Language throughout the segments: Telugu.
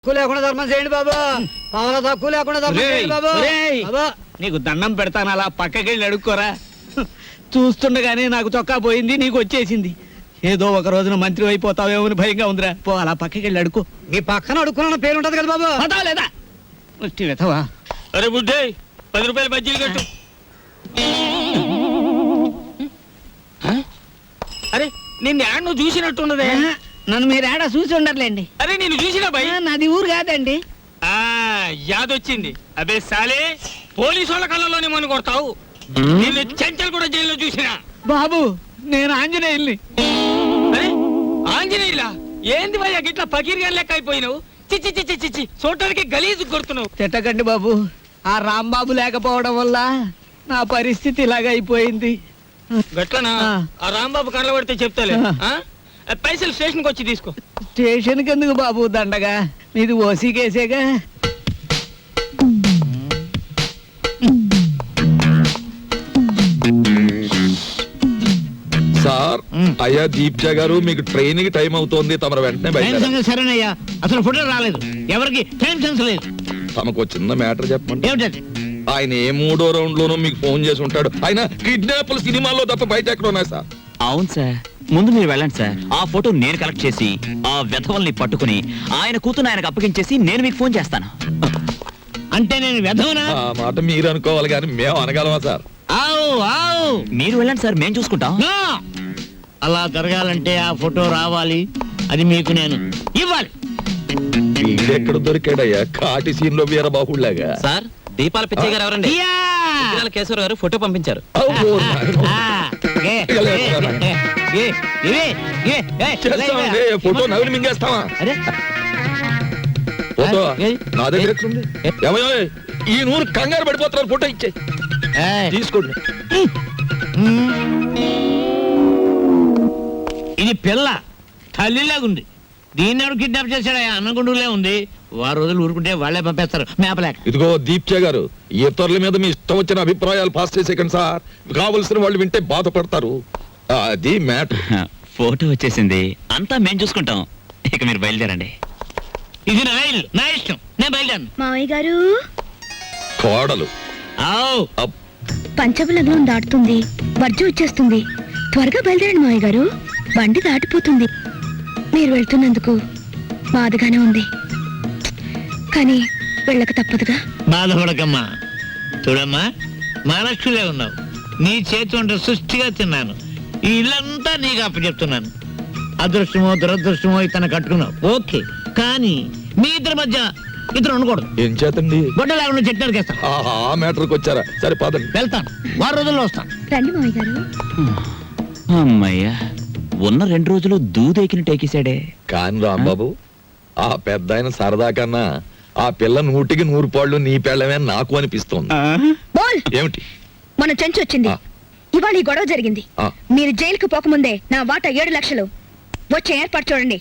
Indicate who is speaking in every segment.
Speaker 1: లేకుండా ధర్మం చేయండి బాబా. పావలా తక్కువ లేకుండా ధర్మం చేయండి బాబా. బాబా
Speaker 2: నీకు దండం పెడతాను, అలా పక్కకెళ్ళి అడుక్కోరా. చూస్తుండగానే నాకు చొక్కా పోయింది, నీకు వచ్చేసింది. ఏదో ఒక రోజున మంత్రి అయిపోతావేమో అని భయంగా ఉందిరా. పో అలా పక్కకెళ్ళి అడుక్కో.
Speaker 1: మీ పక్కన అడుక్కున్న పేరు ఉంటది కదా బాబా.
Speaker 2: పదా లేదా వెతవా.
Speaker 3: అరే బుడ్డే 10 రూపాయలు బజ్జీలు కట్టు. అరే నిన్ను యాడ్ నువ్వు చూసినట్టున్నదే.
Speaker 2: నన్ను మీరు ఏడా చూసి ఉండర్లేండి.
Speaker 3: అరే నేను చూసినా భయ్.
Speaker 2: నాది ఊరు కాదండి.
Speaker 3: యాదొచ్చింది. అదే సాలే పోలీసు వాళ్ళ కళ్ళలోనే మన కొడతావు. నిన్ను చెంచల్ కూడా జైల్లో చూసినా.
Speaker 2: బాబు నేను ఆంజనేయుల్ని.
Speaker 3: అరే ఆంజనేయులా? ఏంది భయ్యా గిట్లా పకీర్గా లెక్క అయిపోయినావు? చిచ్చి చిచ్చి చిచ్చి చూడటానికి గలీజు కొడుతున్నావు.
Speaker 2: తిట్టకండి బాబు, ఆ రాంబాబు లేకపోవడం వల్ల నా పరిస్థితి ఇలాగ అయిపోయింది.
Speaker 3: గట్లనా? ఆ రాంబాబు కళ్ళ పడితే చెప్తాలే. పైసలు స్టేషన్కి వచ్చి తీసుకో.
Speaker 2: స్టేషన్కి ఎందుకు బాబు దండగా, మీది ఓసీ కేసేగా.
Speaker 4: సార్ అయ్యా దీప్జా గారు, మీకు ట్రైన్ కి టైం అవుతోంది, తమరు వెంటనే బయట.
Speaker 2: సరేనయ్యా, అసలు ఫోటో రాలేదు, ఎవరికి టైం సెన్స్ లేదు.
Speaker 4: తమకు చిన్న మ్యాటర్ చెప్పండి.
Speaker 2: ఏమిటది?
Speaker 4: ఆయన ఏ 3వ రౌండ్ లోనూ మీకు ఫోన్ చేసి ఉంటాడు. ఆయన కిడ్నాప్ల సినిమాల్లో తప్ప బయట ఎక్కడ ఉన్నాయి సార్?
Speaker 5: అవును సార్, ముందు మీరు వెళ్ళండి సార్. ఆ ఫోటో నేను కలెక్ట్ చేసి ఆ వెధవల్ని పట్టుకుని ఆయన కూతురు ఆయనకు అప్పగించేసి నేను మీకు ఫోన్ చేస్తాను.
Speaker 2: అంటే నేను వెధవనా?
Speaker 4: ఆ మాట మీరు అనుకోవాలి కానీ మేము అనగలమా సార్?
Speaker 5: మీరు వెళ్ళండి సార్, మేము చూసుకుంటాం.
Speaker 2: అలా జరగాలంటే ఆ ఫోటో రావాలి, అది మీకు నేను ఇవ్వాలి.
Speaker 4: వీడెక్కడ దొరికాడయ్యా కాటి సీన్ లో వీరబాహుళ్లాగా?
Speaker 5: సార్ దీపాల పిచ్చయ్య గారు ఎవరండి? కేశవర గారు ఫోటో పంపించారు.
Speaker 4: ఫోటో నవ్వులు మింగేస్తావా? ఫోటో నా దగ్గర ఎక్కడుంది? ఏమయ్యో ఈ నూరు కంగారు పడిపోతున్నారు, ఫోటో ఇచ్చే తీసుకోండి.
Speaker 2: ఇది పిల్ల తల్లిలాగుంది, దీన్ని ఎవరు కిడ్నాప్ చేశాడా? అన్నగుండులే ఉంది. వారు రోజులు ఊరుకుంటే వాళ్లే పంపేస్తారు మేపలేక.
Speaker 4: ఇదిగో దీప్చే గారు, ఇతరుల మీద మీ ఇష్టం వచ్చిన అభిప్రాయాలు పాస్ చేసేకండి సార్. కావలసిన వాళ్ళు వింటే బాధపడతారు. అది మ్యాటర్.
Speaker 5: ఫోటో వచ్చేసింది, అంతా మేము చూసుకుంటాం. ఇక మీరు బయలుదేరండి.
Speaker 2: ఇది నా ఇల్లు, నా ఇష్టం, నేను బయలుదేరను.
Speaker 6: మావయ్య గారు,
Speaker 4: కోడలు
Speaker 6: పంచబలగ్నం దాటుతుంది, వర్జం వచ్చేస్తుంది. త్వరగా బయలుదేరండి మావయ్య గారు, బండి దాటిపోతుంది. మీరు వెళ్తున్నందుకు బాధగానే ఉంది, కానీ వెళ్ళక తప్పదుగా.
Speaker 2: బాధపడకమ్మా. చూడమ్మా, మహాలక్ష్మిలే ఉన్నావు. నీ చేతి వంట సృష్టిగా తిన్నాను. ఈ ఇల్లంతా నీకు అప్పచెప్తున్నాను. అదృష్టమో దురదృష్టమో ఇతను కట్టుకున్నావు, ఓకే. కానీ మీ ఇద్దరి మధ్య ఇద్దరు ఉండకూడదు.
Speaker 4: ఏం చేతండి?
Speaker 2: గొడ్డ లేకుండా చెట్టు నరికేస్తాను.
Speaker 4: ఆ మ్యాటర్కి వచ్చారా? సరే పదండి.
Speaker 2: వెళ్తాను, 6 రోజుల్లో వస్తాను.
Speaker 6: రండి మావయ్య గారు.
Speaker 5: అమ్మయ్యా, ఉన్న 2 రోజులు దూదెకిని టేకేశాడే.
Speaker 4: కాని రాంబాబు, ఆ పెద్ద ఆయన సరదా కన్నా ఆ పిల్ల 100కి 100 పాళ్ళు నీ పెళ్ళమే నాకు అనిపిస్తోంది.
Speaker 6: బోల్!
Speaker 4: ఏమిటి?
Speaker 6: మన చెంచు వచ్చింది. ఇవాళ ఈ గొడవ జరిగింది. మీరు జైలుకు పోకముందే నా వాటా 7 లక్షలు వచ్చే ఏర్పాటు చూడండి.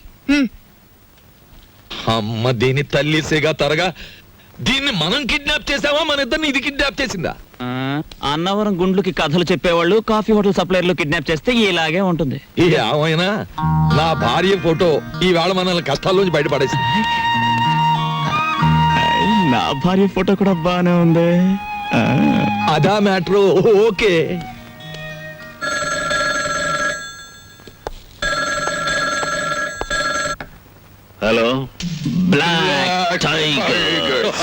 Speaker 4: అమ్మ దీని తల్లిసేగా తరగా, దీన్ని మనం కిడ్నాప్ చేసావా, మన ఇద్దరిని ఇది కిడ్నాప్ చేసిందా?
Speaker 5: అన్నవరం గుండ్లుకి కథలు చెప్పేవాళ్ళు కాఫీ హోటల్ సప్లైర్లు కిడ్నాప్ చేస్తే ఇలాగే ఉంటుంది.
Speaker 4: ఏమైనా నా భార్య ఫోటో ఈవేళ మనల్ని కష్టాల్లోంచి బయటపడేసింది.
Speaker 5: నా భార్య ఫోటో కూడా బానే ఉంది.
Speaker 4: అదా matter. Okay.
Speaker 5: Hello black tigers.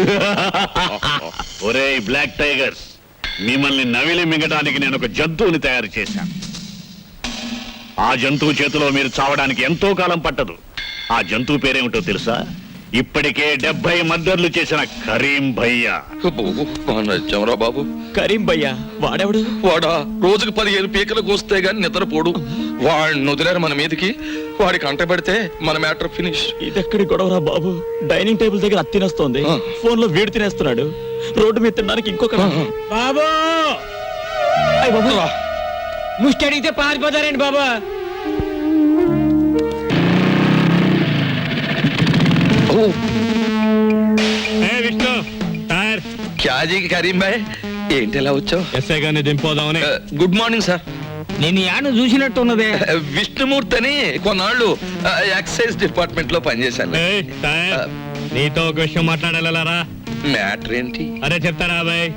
Speaker 7: ఒరేయ్ బ్లాక్ టైగర్స్, మిమ్మల్ని నవిలి మింగడానికి నేను ఒక జంతువుని తయారు చేశాను. ఆ జంతువు చేతిలో మీరు చావడానికి ఎంతో కాలం పట్టదు. ఆ జంతువు పేరేమిటో తెలుసా? ఇప్పటికే 70 మర్డర్లు చేసిన కరీం భయ్యా.
Speaker 4: బాబు,
Speaker 5: కరీం భయ్యా వాడెవడు?
Speaker 4: వాడా రోజుకు 15 పీకలకు వస్తే గాని నిద్రపోడు. వాడిని వదిలేరు మన మీదకి. వాడికి అంట పెడితే మన మ్యాటర్ ఫినిష్.
Speaker 5: ఇదెక్కడి గొడవరా బాబు? డైనింగ్ టేబుల్ దగ్గర అత్తి తినేస్తోంది, ఫోన్ లో వీడు తినేస్తున్నాడు, రోడ్డు మీద తినడానికి ఇంకొక.
Speaker 1: బాబు ముష్టి అడిగితే పారిపోతారండి బాబా.
Speaker 3: విష్ణు టైర్
Speaker 4: క్యాజీ కరీం భాయ్, ఏంటి ఎలా వచ్చావు?
Speaker 3: ఎస్ఐ గారిని దింపోదామని.
Speaker 4: Good morning sir.
Speaker 3: నేను యాను చూసినట్టున్నదే.
Speaker 4: విష్ణుమూర్తి అని కొన్నాళ్ళు ఎక్సైజ్ డిపార్ట్మెంట్ లో పనిచేశాను.
Speaker 3: నీతో ఒక విషయం మాట్లాడాలరా.
Speaker 4: మ్యాటర్ ఏంటి?
Speaker 3: అరే చెప్తారా బాయ్?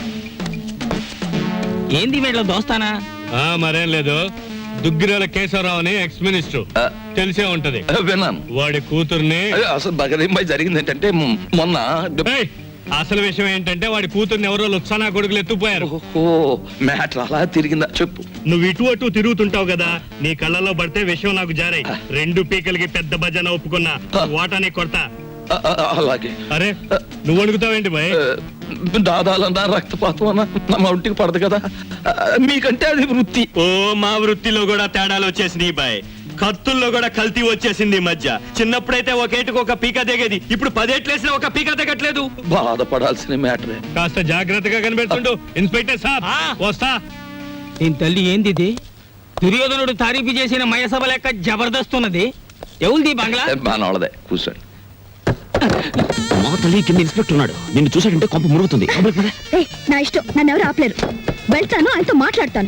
Speaker 3: ఏంది వీళ్ళ దోస్తానా? మరేం లేదు, దుగ్గిరాల కేశవరావు అని ఎక్స్ మినిస్టర్, తెలిసే ఉంటది.
Speaker 4: విన్నాను.
Speaker 3: వాడి కూతుర్ని
Speaker 4: అసలు బగరింబాయి జరిగింది ఏంటంటే మొన్న
Speaker 3: అసలు విషయం ఏంటంటే వాడి కూతుర్ని ఎవరో లుత్సానా కొడుకులు ఎత్తుపోయారు.
Speaker 4: మ్యాటర్ అలా తిరిగిందా చెప్పు.
Speaker 3: నువ్వు ఇటు అటు తిరుగుతుంటావు కదా, నీ కళ్ళల్లో పడితే విషయం నాకు జారాయి. 2 పీకలకి పెద్ద భజన ఒప్పుకున్నా, వాటాని కొడతా.
Speaker 4: అలాగే.
Speaker 3: అరే నువ్వు అడుగుతావేంటి బాయ్?
Speaker 4: దాదాలన్నా రక్తపాతం అన్నా నా ఒంటికి పడదు కదా, మీకంటే అది వృత్తి.
Speaker 8: ఓ మా వృత్తిలో కూడా తేడాలు వచ్చేసినాయి బాయ్. కత్తుల్లో కూడా కల్తీ వచ్చేసింది ఈ మధ్య. చిన్నప్పుడైతే ఒకేటికి ఒక పీక దిగేది, ఇప్పుడు 10 ఏట్లేసినా ఒక పీక దిగట్లేదు.
Speaker 4: బాధపడాల్సిన మ్యాటరే.
Speaker 3: కాస్త జాగ్రత్తగా కనిపెడుతుండు ఇన్స్పెక్టర్ సాబ్. వస్తా.
Speaker 9: దీని తల్లి ఏంది ఇది? దుర్యోధనుడు తారీఫు చేసిన మయసభ లెక్క జబర్దస్త్ ఉన్నది. ఎవరిది బంగ్లా?
Speaker 4: మనోళ్ళదే, కూర్చోండి.
Speaker 5: మా తల్లి కింద ఇన్స్పెక్టర్ ఉన్నాడు, నిన్ను చూసాడంటే కొంప మురుగుతుంది.
Speaker 6: ఏయ్, నా ఇష్టం, నన్ను ఎవరు ఆపలేరు. వెళ్తాను, ఆయనతో మాట్లాడతాను.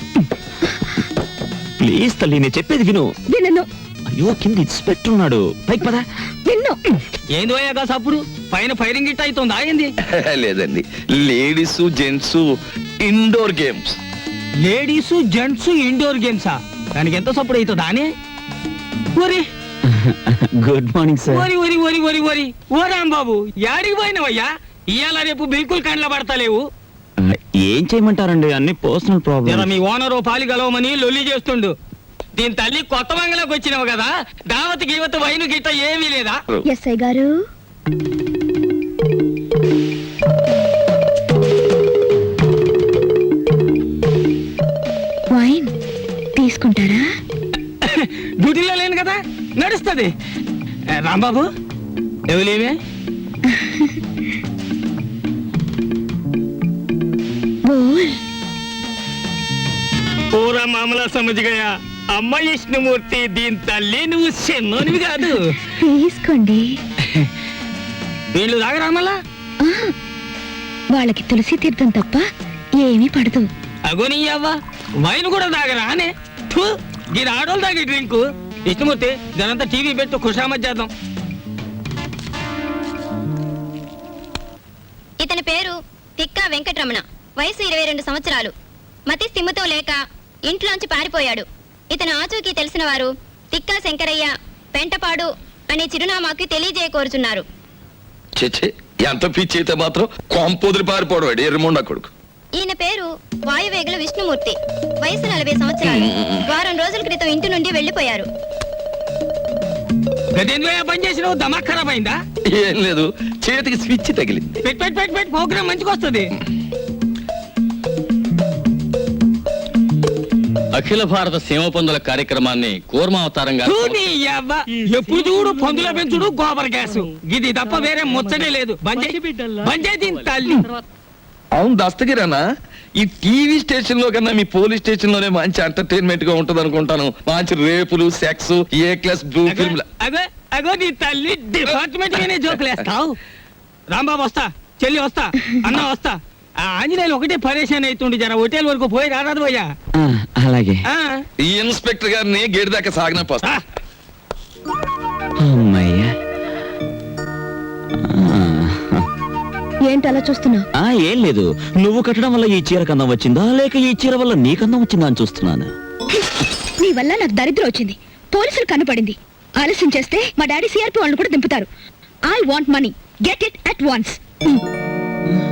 Speaker 5: ప్లీజ్ తల్లి, నేను చెప్పేది విను.
Speaker 6: విన్ను.
Speaker 5: అయ్యో కింద ఇన్స్పెక్టర్ ఉన్నాడు, పైకి పదా.
Speaker 6: విన్ను.
Speaker 9: ఏంది పోయాక సప్పుడు పైన ఫైరింగ్ గిట్ అవుతుంది. ఆగింది.
Speaker 4: లేదండి, ladies gents indoor games.
Speaker 9: Ladies gents indoor గేమ్సా? దానికి ఎంత సప్పుడు అవుతుంది అని? ఒరి
Speaker 5: గుడ్ మార్నింగ్ సార్.
Speaker 9: ఒరి ఒరి ఒరి ఒరి ఒరి ఓ రాంబాబు, యాడికి పోయినవయ్యా? ఇవాళ రేపు బిల్కుల్ కండ్ల పడతలేవు.
Speaker 5: ఏం చేయమంటారండి, అన్ని పర్సనల్ ప్రాబ్లమ్.
Speaker 9: మీ ఓనరు పాలి గలవమని లొల్లి చేస్తుండు. దీని తల్లి కొత్త బంగ్లాకి వచ్చినావు కదా, దావత్ గీవత్ వైను గిట్ట ఏమీ లేదా?
Speaker 6: ఎస్ఐ గారు, వైన్ తీసుకుంటారా?
Speaker 9: డ్యూటీలో లేను కదా, నడుస్తుంది. రాంబాబు ఎవలేమే?
Speaker 6: బోల్.
Speaker 9: పూరా మామలా సమజ్గయా. అమ్మ విష్ణుమూర్తి, దీని తల్లి నువ్వు చిన్నోనివి కాదు.
Speaker 6: తీసుకోండి.
Speaker 9: వీళ్ళు తాగరామల్లా?
Speaker 6: వాళ్ళకి తులసి తీర్థం తప్ప ఏమీ పడదు.
Speaker 9: అగోని అవ్వ, వైన్ కూడా తాగరా అనే? దీని ఆడోళ్ళు తాగే డ్రింకు. విష్ణుమూర్తి, దానంతా టీవీ పెట్టు, ఖుషామత్ చేద్దాం.
Speaker 10: ఇతని పేరు తిక్కా వెంకటరమణ, వయసు 22 సంవత్సరాలు. మతి స్థిమితో లేక ఇంట్లోంచి పారిపోయాడు. ఇతను ఆచూకీ తెలిసిన వారు తిక్కా శంకరయ్య, పెంటపాడు అనే చిరునామాకి తెలియజేయకోరుచున్నారు.
Speaker 4: చెచ్చే, ఎంత పిచ్చి అయితే మాత్రం కొంపొదిరి పారిపోవడం ఎర్రమొండ కొడుకు.
Speaker 10: ఈయన పేరు వాయువేగుల విష్ణుమూర్తి, వయసు 40 సంవత్సరాలు. వారం రోజుల క్రితం ఇంటి నుండి వెళ్లిపోయారు.
Speaker 9: పని చేసినావు, దమా ఖరాబ్ అయిందా?
Speaker 4: ఏం లేదు, చేతికి స్విచ్ తగిలింది.
Speaker 9: పెట్ ప్రోగ్రామ్ మంచిగా వస్తుంది.
Speaker 8: అఖిల భారత సీమ పందుల కార్యక్రమాన్ని కూర్మావతారంగా
Speaker 9: ఎప్పుడు చూడు పందుల పెంచుడు, గోబర్ గ్యాస్, ఇది తప్ప వేరే ముచ్చటే లేదు. బంజే దీని తల్లి.
Speaker 4: అవును దస్తగిరానా, ఈ టీవీ స్టేషన్ లో కన్నా మీ పోలీస్ స్టేషన్ లోనే మంచి ఎంటర్టైన్మెంట్ గా ఉంటది అనుకుంటాను. మంచి రేపులు, sex, A class blue film.
Speaker 9: అగో నీ తల్లి డిపార్ట్మెంట్ గానే జోకులేస్తావు. రాంబాబు వస్తా, చెల్లి వస్తా, అన్న వస్తా. ఆ ఆంజనేయులు ఒకటే పరేషాన్ అవుతుండే, జర హోటల్ వరకు పోయి రారాదు పోయా.
Speaker 5: అలాగే.
Speaker 4: ఈ ఇన్స్పెక్టర్ గారిని గేట్ దాకా సాగిన పోస్తా.
Speaker 5: అమ్మయ్యా.
Speaker 6: ఏంటి అలా చూస్తున్నావు?
Speaker 5: ఏం లేదు, నువ్వు కట్టడం వల్ల ఈ చీర కందం వచ్చిందా, లేక ఈ చీర వల్ల నీ కందం వచ్చిందా అని చూస్తున్నాను.
Speaker 6: నీ వల్ల నాకు దరిద్రం వచ్చింది. పోలీసులు కనపడింది. ఆలస్యం చేస్తే మా డాడీ సిఆర్పి వాళ్ళని కూడా దింపుతారు. I want money, get it at once.